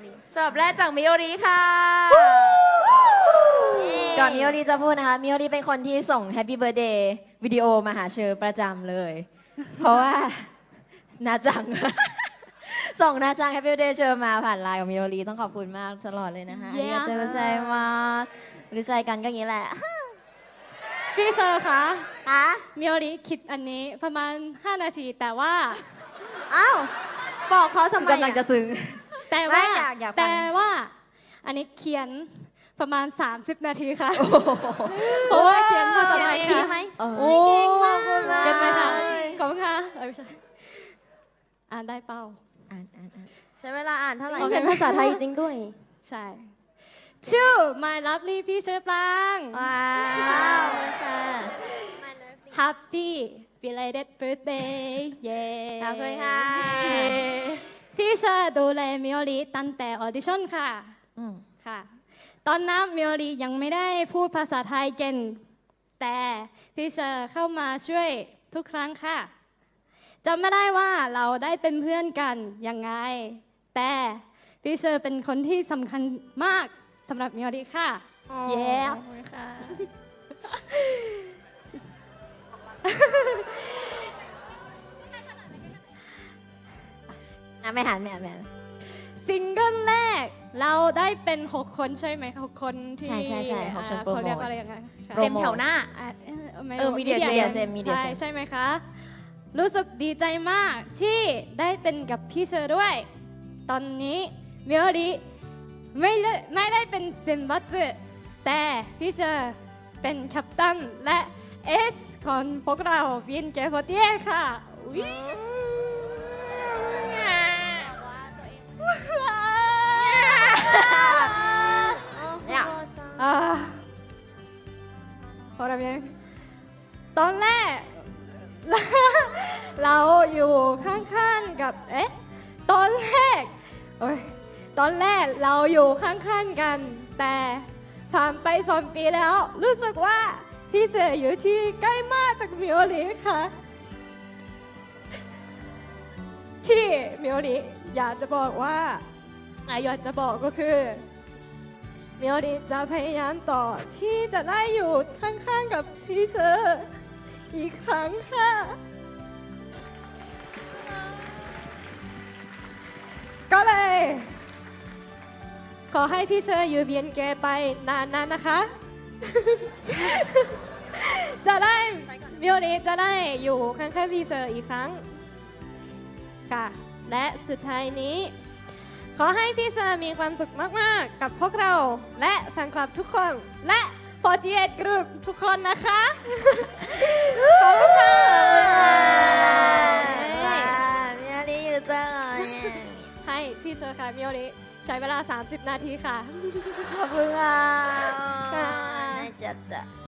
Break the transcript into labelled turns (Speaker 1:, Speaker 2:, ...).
Speaker 1: ริ
Speaker 2: สอบแรกจากมิโอริค่ะ
Speaker 1: ก่อนมิโอริจะพูดนะคะมิโอริเป็นคนที่ส่ง Happy Birthday วิดีโอมาหาเชอประจำเลย เพราะว่านาจัง ส่งนาจัง Happy Birthday เชอมาผ่านไลน์ของมิโอริต้องขอบคุณมากตลอดเลยนะคะ
Speaker 2: เย้
Speaker 1: อาริกาโตไซมารู้ใจกันก็อย่างนี้แหละ
Speaker 3: พี่เชอร์คะ
Speaker 1: ฮะ
Speaker 3: มิโอริคิดอันนี้ประมาณ 5 นาทีแต่ว่า
Speaker 2: อ้าวบอกเขาทำไม
Speaker 1: กำลังจะซึ้ง
Speaker 3: แต่ว่า
Speaker 1: ไม่อยากฟัง
Speaker 3: แต่ว่าอันนี้เขียนประมาณ 30 นาทีค่ะ
Speaker 1: โอ้โห
Speaker 3: เพราะว่าเขียนภาษาไทย
Speaker 2: เขียนเอง
Speaker 3: ค่ะ
Speaker 2: ไหม
Speaker 1: โอ้
Speaker 3: เก่งมาก
Speaker 2: ขอบคุณมาก
Speaker 3: เก่งไหมคะขอบคุณค่ะไม่ใช่อ่านได้เปล่า
Speaker 1: อ่าน
Speaker 2: ใช้เวลาอ่านเท่าไหร่
Speaker 3: โอเค
Speaker 1: เป็นภาษาไทยจริงด้วย
Speaker 3: ใช่ ชื่อ my lovely พี่เชอร์ปราง
Speaker 1: ว้าวค่ะ
Speaker 3: Happy belated birthday เย้
Speaker 1: ขอบคุณค่ะ
Speaker 3: พี่เชอร์ดูแลมิโอริตั้งแต่ออดิชั่นค่ะ
Speaker 1: อืม
Speaker 3: ค่ะ ตอนนั้นมิโอริยังไม่ได้พูดภาษาไทยเก่งแต่พี่เชอร์เข้ามาช่วยทุกครั้งค่ะจำไม่ได้ว่าเราได้เป็นเพื่อนกันยังไง แต่พี่เชอร์เป็นคนที่สำคัญมากสำหรับมิโอริค่ะ เย้
Speaker 1: ขอบคุณค่ะไม่หัน
Speaker 3: ซิงเกิลแรกเราได้เป็น 6 คนใช่ไหมคะ6 คนที่
Speaker 1: ใช่6คนโปรโมท
Speaker 3: เขาเรียกอะไรอย่างเงี้ยค่ะ
Speaker 1: โปรโมท
Speaker 2: เต็มแถวหน้า
Speaker 3: ไม่
Speaker 2: มีเดีย
Speaker 3: เซม
Speaker 1: Media Sim
Speaker 3: ใช่ไหมคะ รู้สึกดีใจมากที่ได้เป็นกับพี่เชอร์ด้วย ตอนนี้มิโอริไม่ได้เป็นเซนบัตสึแต่พี่เชอร์เป็นแคปตันและเอสของพวกเราวินเกฟเตียค่ะอุ๊ย
Speaker 1: เนี่ย
Speaker 3: อ่าพอแล้วยังตอนแรก เราอยู่ข้างๆกับตอนแรกโอ้ยตอนแรกเราอยู่ข้างๆกัน แต่ผ่านไป2 ปีแล้ว รู้สึกว่าพี่เสืออยู่ที่ใกล้มากจากมิโอริค่ะ ที่มิโอริอยากจะบอกว่าอยากจะบอกก็คือมิโอริจะพยายามต่อที่จะได้อยู่ข้างๆกับพี่เชอร์อีกครั้งค่ะ ก็เลย ขอให้พี่เชอร์อยู่เบียนเกไปนานๆนะคะ จะได้มิโอริจะได้อยู่ข้างๆพี่เชอร์อีกครั้ง ค่ะและสุดท้ายนี้ ขอให้พี่เชอร์มีความสุขมากๆกับพวกเราและแฟนคลับทุกคนและ48 Group ทุกคนนะคะ ขอบคุณค่ะ
Speaker 1: มิโอริอยู่ตลอด
Speaker 3: ให้พี่เชอร์ค่ะมิโอริใช้เวลา 30 นาทีค่ะ
Speaker 1: ขอบคุณค่ะ
Speaker 3: ค่ะ
Speaker 1: น่าจะ